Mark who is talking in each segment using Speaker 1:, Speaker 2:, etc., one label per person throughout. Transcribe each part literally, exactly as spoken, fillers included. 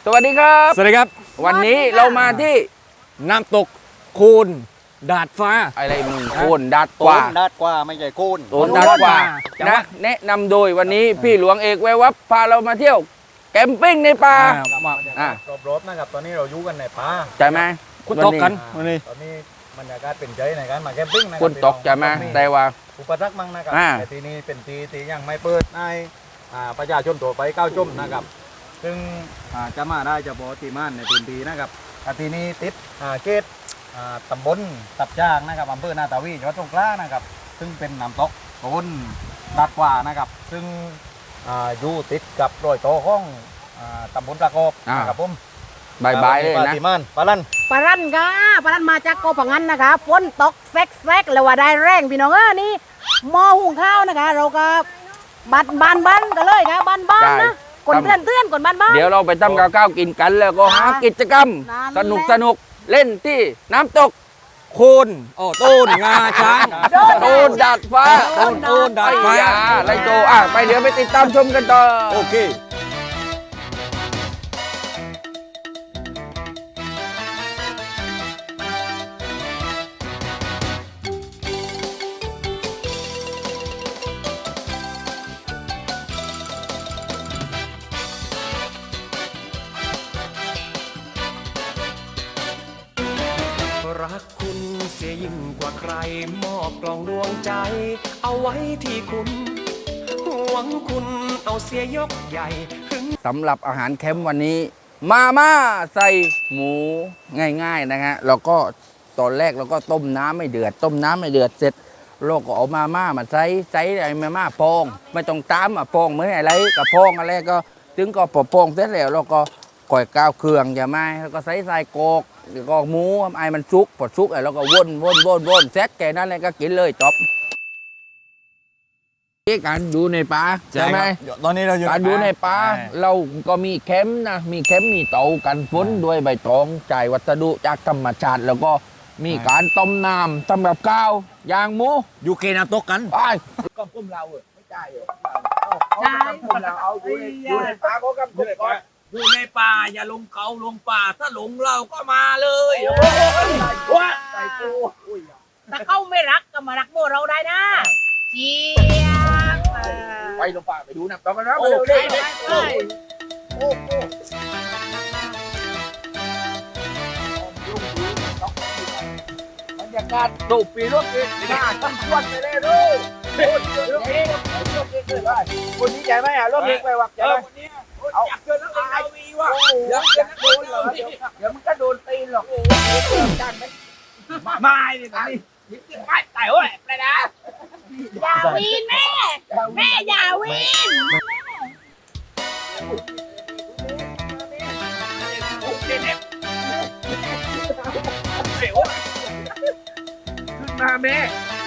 Speaker 1: สวัสดีครับ
Speaker 2: สวัสดีครับ
Speaker 1: วันนี้เรามาที่
Speaker 2: น้ำตกคูนดาดฟ้า
Speaker 1: อะไรมึงโคนดัดกว่า
Speaker 3: ดาดกว่าไม่ใช่โคน
Speaker 1: โคนดัดกว่านะแนะนำโดยวันนี้พี่หลวงเอกแวววับพาเรามาเที่ยวแคมปิ้งในป่า
Speaker 3: อ่ารอบๆนะครับตอนนี้เราอยู่กันในป่า
Speaker 1: ใช่ไหม
Speaker 2: คุณตกกันวันนี้
Speaker 3: ตอนนี้บรรยากาศเป็นใจในการมาแคมปิ้งนะ
Speaker 1: คุณตกใช่ไหมแต่ว่า
Speaker 3: อุปสรรคมั่งนะครับ
Speaker 1: อ่า
Speaker 3: แต่ทีนี้เป็นทีที่ยังไม่เปิดให้อ่าประชาชนทั่วไปก้าวชมนะครับซึ่งอ่าจะมาได้เฉพาะที่ม่านในพื้นที่นะครับอ่าทีนี้ติดอ่าเขตอ่าตำบลตับจ้างนะครับอำเภอนาตาวีจังหวัดสงขลานะครับซึ่งเป็นน้ำตกโคนดัดกว่านะครับซึ่งอ่าอยู่ติดกับรอยต่อของอ่าตำบลตะกอบนะครับผม
Speaker 1: บายบายเลยนะ
Speaker 3: ปาติมานปาลัน
Speaker 4: ปลารั่นค่ะปลารั่นมาจากโกปังงันนะคะฝนตกแซกแซกเลยว่าได้แรงพี่น้องเออนี่หม้อหุงข้าวนะคะ เราก็บันบานบ้านกันเลยค่ะบ้านบ้านนะกดเตือนเตือนกดบ้านบ้าน
Speaker 1: เดี๋ยวเราไปทำกับข้าวกินกันแล้วก็หากิจกรรม ส
Speaker 4: นั่นแหละ
Speaker 1: นุกสนุกเล่นที่น้ำตก
Speaker 2: คูนโอ้ตูนงาช้าง
Speaker 1: โตนดาดฟ้า
Speaker 2: โตนโตนดาดฟ้า
Speaker 1: ไอ้ยาไรโจอ่ะไปเดี๋ยวไปติดตามชมกันต่อ
Speaker 2: โอเค
Speaker 5: รักคุณเสียยิ่งกว่าใครมอบกล่องดวงใจ เอาไว้ที่คุณห่วงคุณเอาเสียยกใหญ่ถึง
Speaker 1: สำหรับอาหารแคมป์วันนี้ มาม่าใส่หมูง่ายๆนะฮะแล้วก็ตอนแรกเราก็ต้มน้ำไม่เดือด ต้มน้ำไม่เดือดเสร็จเราก็เอามาม่ามาใส่ใส่ไอ้มาม่าปองไม่ต้องตามอ่ะปองเหมือนอะไรกับปองอะไรก็ถึงก็พอปองเสร็จแล้วเราก็ก่อยก้าวเครื่องอย่าไม่แล้วก็ใส่ใส่กอกแล้วก็หมูไอ้มันซุกพอซุกไอ้เราก็วนวนวนวนเสร็จแค่นั้นเลยก็กินเลยจบนี่การดูในป่าใช่ไหม
Speaker 2: ตอนนี้เราอยู่
Speaker 1: การดูในป่าเราก็มีแคมป์นะมีแคมป์มีเตากันฝนด้วยใบตองจ่ายวัสดุจากธรรมชาติแล้วก็มีการต้มน้ำสำหรับข้าวย่างหมู
Speaker 2: อยู่เกน้ำตกกัน
Speaker 1: ไปก็พุ่มเราเออไม่จ่ายเหรอใช่พุ่มเราเอาอยู่ในอยู่ในป่าเขากับพุ่มก่อน
Speaker 6: อยู่ในป่าอย่าลงเขาลงป่าถ้าหลงเราก็มาเลยว่า
Speaker 1: ใส่กู
Speaker 4: ถ้าเขาไม่รักก็มารักโบเราได้นะเจียบเออ
Speaker 1: ไปลงป่าไปดูน้ำตกกันนะ
Speaker 6: โอ
Speaker 1: ไป
Speaker 6: เค
Speaker 1: เร็ว
Speaker 4: ไปไป
Speaker 1: บรรยากาศสูบปีรถเองหน้าตั้งชวนไปเลยดูคนเยอะเองรถเองเลยคนนี้ใหญ่ไหมอ่ะรถเองไปวักให
Speaker 6: เอ
Speaker 1: ญ่
Speaker 6: อ
Speaker 1: ไหม
Speaker 6: วันนี้อยากเจอนักเรียนนาวีว่ะ
Speaker 1: อยากจะโดนเหรอเดี๋ยวเดี๋ยวมันก็โดนตีนหรอกจ้างไหม
Speaker 6: มาเนี่ยตอนนี้ยิ้มจะไปแต่ว่าไปนะ
Speaker 4: อย่าวีนแม่ แม่อย่าวีน
Speaker 6: โอเคเนี่ยเดี๋ยว
Speaker 1: ขึ้นมาแม่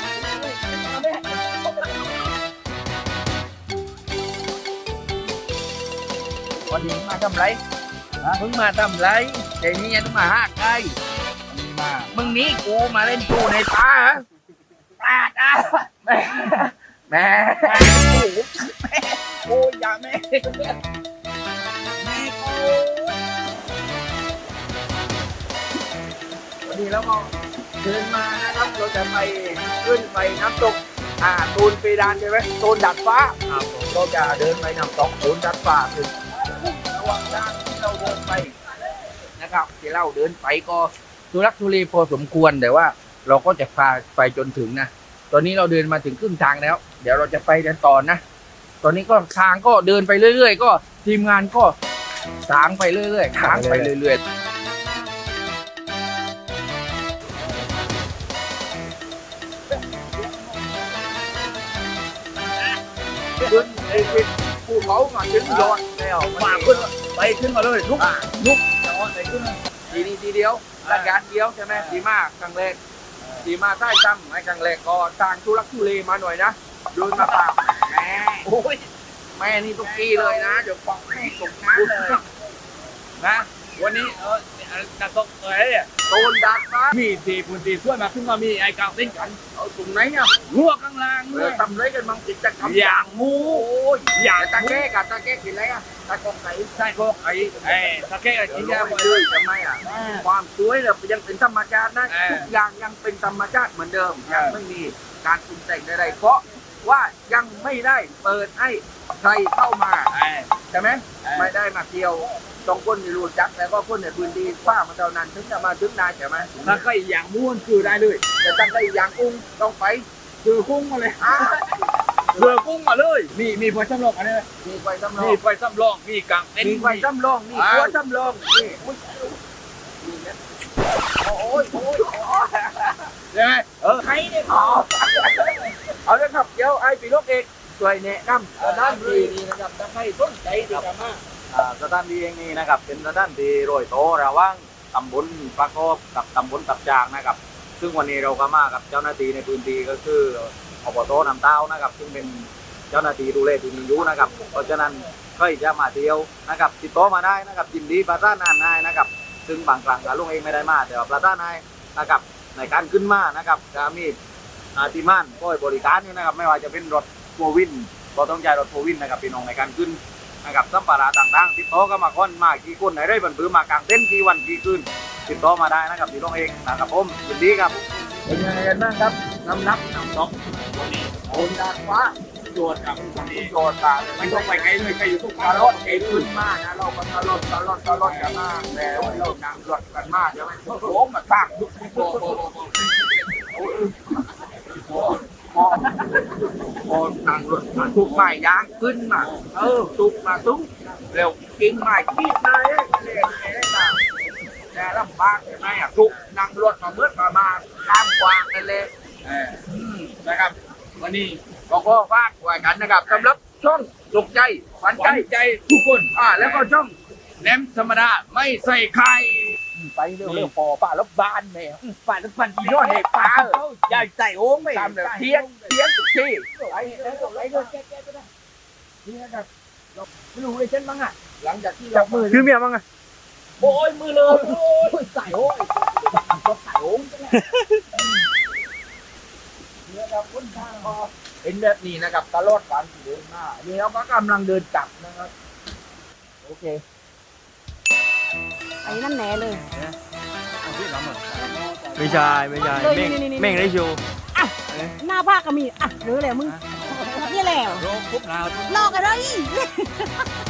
Speaker 1: วันนี้มาทำไรมึงมาทำไรเดี๋ยวนี้ยังต้องมาหาใครมามึงนี้กูมาเล่นกูในป่าเหรอปลาดอ่ะแม่แม่โอ้ยอย่าแม่แม่กูวันนี้แล้วก็เดินมานะครับเราจะไปขึ้นไปน้ำตกอ่าตูนปีดานใช่ไหมตูนดัดฟ้าครับเราจะเดินไปน้ำตกตูนดัดฟ้าถึงระหว่างทางที่เราเดินไปนะครับที่เราเดินไปก็ทุรักทุเลพอสมควรแต่ว่าเราก็จะพาไปจนถึงนะตอนนี้เราเดินมาถึงครึ่งทางแล้ว เดี๋ยวเราจะไปกันต่อนะตอนนี้ก็ทางก็เดินไปเรื่อยๆก็ทีมงานก็สางไปเรื่อยๆทางไปเรื่อยๆขึ้นไอ้ขึ้นภูเขามาถึงยอดแล้วมาขึ้นไปขึ้นมาเลยลุกลุกยอดไปขึ้นทีนี้ทีเดียวรายการเดียวใช่ไหมดีมากครั้งแรกดีมากใต้ซ้ำไอ้ครั้งแรกก็ทางทุรักทุเลมาหน่อยนะเดินมาป่าแม่โอ้ยแม่นี่ตุกกี้เลยนะเดี๋ยวปอกแม่ตกน้ำเลยนะ
Speaker 6: วันนี้เออนักตกเอ้ย
Speaker 1: โดนดักนะ
Speaker 6: มีตีปุ่นตีช่วยมาขึ้นมามีไอ้กาวเต้นกัน
Speaker 1: เอเอาตรงไหนอ่ะ
Speaker 6: หัวข้างล่าง
Speaker 1: เอ
Speaker 6: เล
Speaker 1: อย ทำไรกันมั่งกิจกรรม
Speaker 6: อย่างงู
Speaker 1: โอ้ย
Speaker 6: อย่าง
Speaker 1: ตาแก้กับตาแก้กินอะไรอ่ะตากองไก่
Speaker 6: ใช่พวกไอ้ไอ้ตะเกียบ
Speaker 1: เดี๋
Speaker 6: กิ
Speaker 1: ย
Speaker 6: น
Speaker 1: วย
Speaker 6: า
Speaker 1: เรา
Speaker 6: หม
Speaker 1: ไป
Speaker 6: ดเล
Speaker 1: เลย
Speaker 6: ย
Speaker 1: ทำไมอ่ะความสวยเนี่ยยังเป็นธรรมชาตินะ
Speaker 6: เออ
Speaker 1: ทุกอย่างยังเป็นธรรมชาติเหมือนเดิมยังไม่มีการปรุงแต่งใดๆเพราะว่ายังไม่ได้เปิดให้ใครเข้ามา
Speaker 6: ไอ้
Speaker 1: ใช่ไหม
Speaker 6: เออ
Speaker 1: ไม่ได้มาเกี่ยวต้องคนที่รู้จักแล้วก็คนในพื้นที่ป้ามันเท่านั้นถึงจะมาถึงได้ใช่ไหม
Speaker 6: ถ้าใครอย่างม้วนคือได้เลย
Speaker 1: แต่ตั้งได้อย่างอุ้งต้องไป
Speaker 6: คือกุ้งมาเลย
Speaker 1: อ่า
Speaker 6: เรือกุ้งมาเลยมีมีไฟสำรองอันนี้ไหม
Speaker 1: มีไฟสำรอ
Speaker 6: มี
Speaker 1: ง
Speaker 6: ไฟสำรองมีกางเต็น
Speaker 1: มี
Speaker 6: ท์
Speaker 1: ไฟสำรองมีหัวสำรองนี่อุ๊ยนี่นะโอ้ยโอ้ยโอ้ย
Speaker 6: ใช่ไหม
Speaker 1: เออใครเนี่ยอ๋อเอาเลยครับเดี๋ยวไอ้ปีลูกเอกช่วยแนะนำสถานที่นี้นะครับถ้าใครสนใจที่จะมา
Speaker 3: อ่าสถานที่แห่งนี้นะครับเป็นสถานที่โรยโตระหว่างตำบลปะกอบกับตำบลตับจางนะครับ ซึ่งวันนี้เราก็มากับเจ้าหน้าที่ในพื้นที่ก็คืออบตน้ำเต้านะครับ ซึ่งเป็นเจ้าหน้าที่ดูแลที่นี่อยู่นะครับ เพราะฉะนั้นใครจะมาเที่ยวนะครับติดต่อมาได้นะครับยินดีประสานงานได้นะครับ ซึ่งบางครั้งลุงเองไม่ได้มาแต่ว่าประสานให้นะครับในการขึ้นมานะครับจะมีอาติมานก็บริการอยู่นะครับ ไม่ว่าจะเป็นรถโฟวินก็ต้องใช้รถโฟวินนะครับพี่น้องในการขึ้นนะครับสัมภาระต่างๆติดต่อก็มาคนมากี่คนไหนได้บรรพือมากางเต็นท์กี่วันกี่คืนติดต่อมาได้นะครับพี่น้องเองนะครับผมยินดีครับ
Speaker 1: เป็นยังไงกันบ้างครับน้ำนับน้ำตก
Speaker 6: วันนี้
Speaker 1: โอนดาดฟ้า
Speaker 6: โจทย์ครับวันนี้
Speaker 1: โยนตาเลย
Speaker 6: ไม่ต้องไปไกลเลยใครอยู่ทุก
Speaker 1: ตลอดเองขึ้นมานะเราก็ตลอดตลอดตลอดกันมาแล้วเรานั่งรถกันมาใช่ไหมโอ้โหมาสร้างยุคโบโบโบโบโบโบนั่งรถมาทุกไม้ยางขึ้นมาเออทุกมาตุ้งเร็วกินไม้กีดเลยเล่นเล่นต่างแต่ลำบากใช่ไหมอ่ะทุกนั่งรถมาเมื่อมามาตามกวางกันเลย
Speaker 6: เออนะครับ วันนี้
Speaker 1: ก็ขอฝากไว้กันนะครับสำหรับช่องสุขใจขวัญ
Speaker 6: ห
Speaker 1: ใจ
Speaker 6: วังใจทุกคน
Speaker 1: อ่าแล้วก็ช่อง
Speaker 6: แหนมธรรมดาไม่ใส่ไข่
Speaker 1: ไปเร็วๆพอป่าแล้วบานแมวป่าแล้วปันอีน้อยเด็กป่าใหญ่ใจโอ้งไม่ตามเลยเทียงเทียงทุกที่ไปแล้วไปเลยแก้ๆก็ได้นี่นะครับเราไม่รู้เลยเช่นมั้งอ่ะหลังจากที่เรามือ
Speaker 3: คือเมียมั้งอะ
Speaker 1: โอ้ยมือเลยโอ้ยใส่โอ้ยก็ใส่โอ้งจังเลยเนี่ยครับคนทางพอเป็นแบบนี้นะครับตลอดการเดินมานี่เราก็กำลังเดินกลับนะครับโอเค
Speaker 4: ไอ้นั่นแหน่เลย
Speaker 2: ไม่ใช่ไม่ใช่
Speaker 4: เลย
Speaker 2: เม่ง
Speaker 4: นี่ๆๆ
Speaker 2: เม่งได้ชู
Speaker 4: หน้าภาคก็มีอ่ะหรือแหละมึงนี่แหละ
Speaker 6: โรคปุ๊บเรา
Speaker 4: ลอกกันเลย